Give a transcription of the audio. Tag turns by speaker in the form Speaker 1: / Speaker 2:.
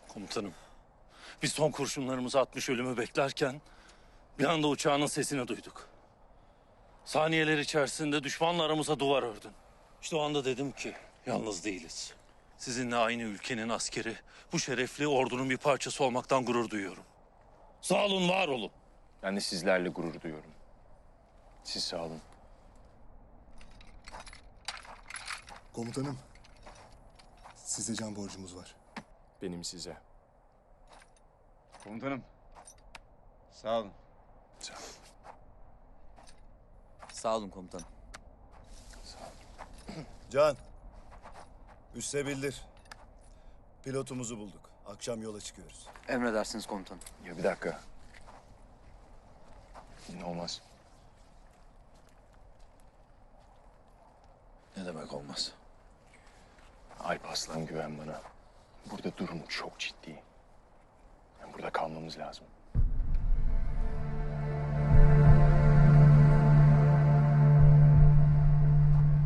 Speaker 1: Komutanım, biz son kurşunlarımızı atmış ölümü beklerken bir anda uçağının sesini duyduk. Saniyeler içerisinde düşmanla aramıza duvar ördün. İşte o anda dedim ki yalnız değiliz. Sizinle aynı ülkenin askeri, bu şerefli ordunun bir parçası olmaktan gurur duyuyorum. Sağ olun, var olun.
Speaker 2: Ben de sizlerle gurur duyuyorum. Siz sağ olun.
Speaker 3: Komutanım, size can borcumuz var.
Speaker 2: Benim size.
Speaker 4: Komutanım. Sağ olun.
Speaker 2: Sağ olun.
Speaker 5: Sağ olun komutanım.
Speaker 6: Can, üsse bildir. Pilotumuzu bulduk. Akşam yola çıkıyoruz.
Speaker 5: Emredersiniz komutanım.
Speaker 2: Ya bir dakika. Olmaz.
Speaker 1: Ne demek olmaz?
Speaker 2: Alp Aslan, güven bana. Burada durum çok ciddi. Yani burada kalmamız lazım.